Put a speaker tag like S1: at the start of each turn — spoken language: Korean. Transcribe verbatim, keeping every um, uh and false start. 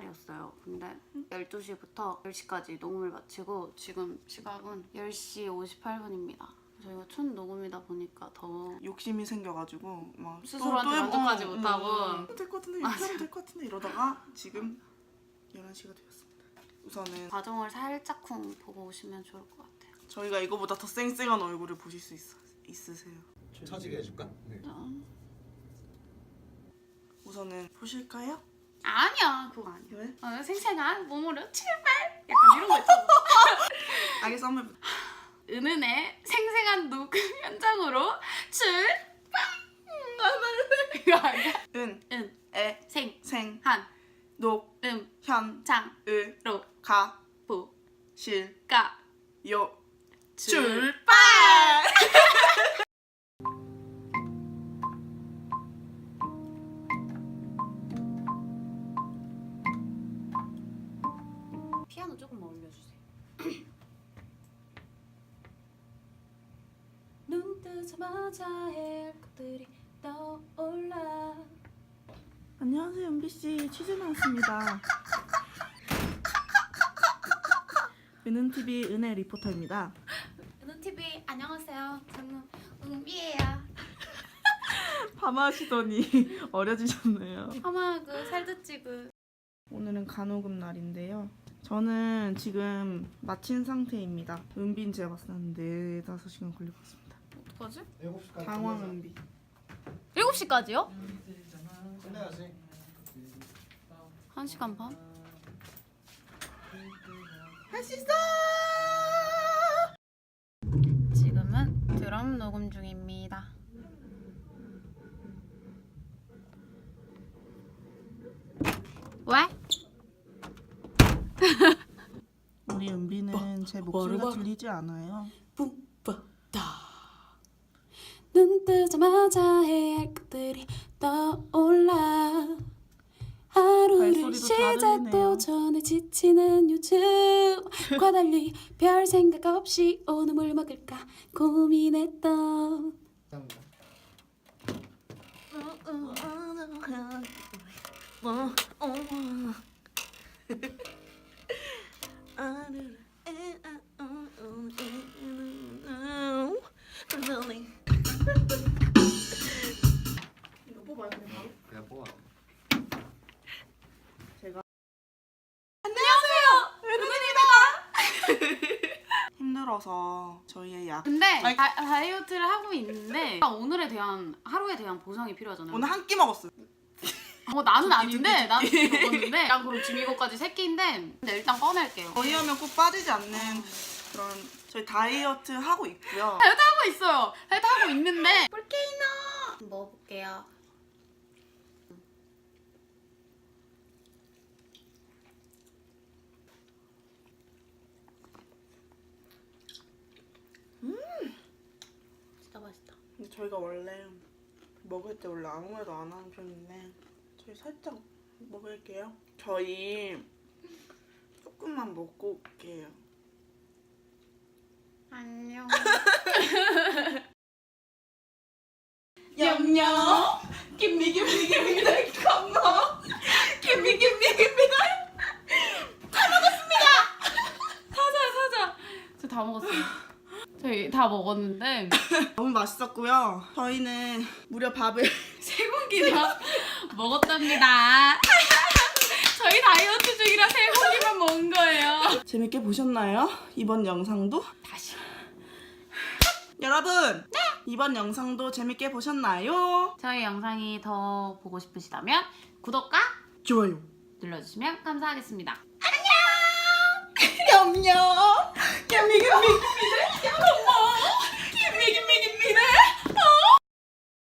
S1: 날이었어요. 근데 열두 시부터 열 시까지 녹음을 마치고 지금 시각은 열 시 오십팔 분입니다. 저희가 첫 녹음이다 보니까 더
S2: 욕심이 생겨가지고 막
S1: 스스로한테
S2: 또, 또
S1: 만족하지
S2: 어,
S1: 못하고
S2: 음, 될것 같은데 이렇게 하면 될 것 같은데 이러다가 지금 열한 시가 되었습니다. 우선은
S1: 과정을 살짝쿵 보고 오시면 좋을 것 같아요.
S2: 저희가 이거보다 더 쌩쌩한 얼굴을 보실 수 있, 있으세요.
S3: 처지게 해줄까? 네.
S1: 어.
S2: 우선은 보실까요?
S1: 아니야 그거 아니야.
S2: 왜?
S1: 어, 생생한 몸으로 출발! 약간 이런 거 있잖아.
S2: 알겠어 한번
S1: 은은의 생생한 녹음 현장으로 출발! 이거 아니야?
S2: 은,
S1: 은,
S2: 에,
S1: 생,
S2: 생,
S1: 한,
S2: 녹,
S1: 음,
S2: 현,
S1: 장,
S2: 을,
S1: 로,
S2: 가,
S1: 보,
S2: 실,
S1: 가,
S2: 요,
S1: 출발! 피아노 조금만 올려주세요. 눈 뜨자마자 할 것들이 떠올라.
S2: 안녕하세요 은비씨 취재 나왔습니다. 은은티비 은혜 리포터입니다.
S1: 은은티비 안녕하세요. 저는 은비예요.
S2: 파마하시더니 어려지셨네요.
S1: 아마 그 살도 찌고.
S2: 오늘은 간호금 날인데요. 저는 지금 마친 상태입니다. 은비는 제가 봤을 때는 네다섯 시간 걸릴 것 같습니다.
S1: 어떡하지?
S3: 일곱 시까지
S2: 당황 은비.
S1: 일곱 시까지요?
S3: 끝내야지.
S1: 한 시간 반?
S2: 할 수 있어!
S1: 지금은 드럼 녹음 중입니다. 왜?
S2: 우리 은비는 제 목소리가 들리지 않아요.
S1: 눈 뜨자마자 해야 할 것들이 떠올라. 하루를
S2: 발소리도 다 들리네요.
S1: 시작도 전에 지치는 요즘과 달리 별 생각 없이 오늘 뭘 먹을까 고민했던.
S2: 이거 뽑아요 그냥 바로.
S3: 그냥 뽑아.
S2: 제가
S1: 안녕하세요.
S2: 힘들어서 저희의 약
S1: 근데
S2: 아니-
S1: 다, 다이어트를 하고 있는데 오늘에 대한 하루에 대한 보상이 필요하잖아요.
S2: 오늘 한 끼 먹었어요.
S1: 어, 나는
S2: 두 끼,
S1: 아닌데
S2: 두
S1: 나는
S2: 끼, 두 끼.
S1: 먹었는데 난 그럼 지금 이거까지 세 끼인데 근데 일단 꺼낼게요.
S2: 저희 하면 꼭 빠지지 않는 그런 저희 다이어트 하고 있고요.
S1: 다이어트 하고 있어요. 다이어트 하고 있는데 볼케이노 먹어볼게요. 진짜 맛있다.
S2: 근데 저희가 원래 먹을 때 원래 아무 말도 안 하는 편인데 저희 살짝 먹을게요. 저희 조금만 먹고 올게요.
S1: 안녕.
S2: 냠냠 김미 김미 김미 컴마 김미 김미 김미
S1: 사자 사자. 저 다 먹었어요. 저희 다 먹었는데
S2: 너무 맛있었고요. 저희는 무려 밥을
S1: 세 공기나 먹었답니다. 저희 다이어트 중이라 세 공기만 먹은 거예요.
S2: 재밌게 보셨나요? 이번 영상도?
S1: 다시.
S2: 여러분! 네! 이번 영상도 재밌게 보셨나요?
S1: 저희 영상이 더 보고 싶으시다면 구독과
S2: 좋아요.
S1: 눌러주시면 감사하겠습니다.
S2: 냠냠! 냠미 냠미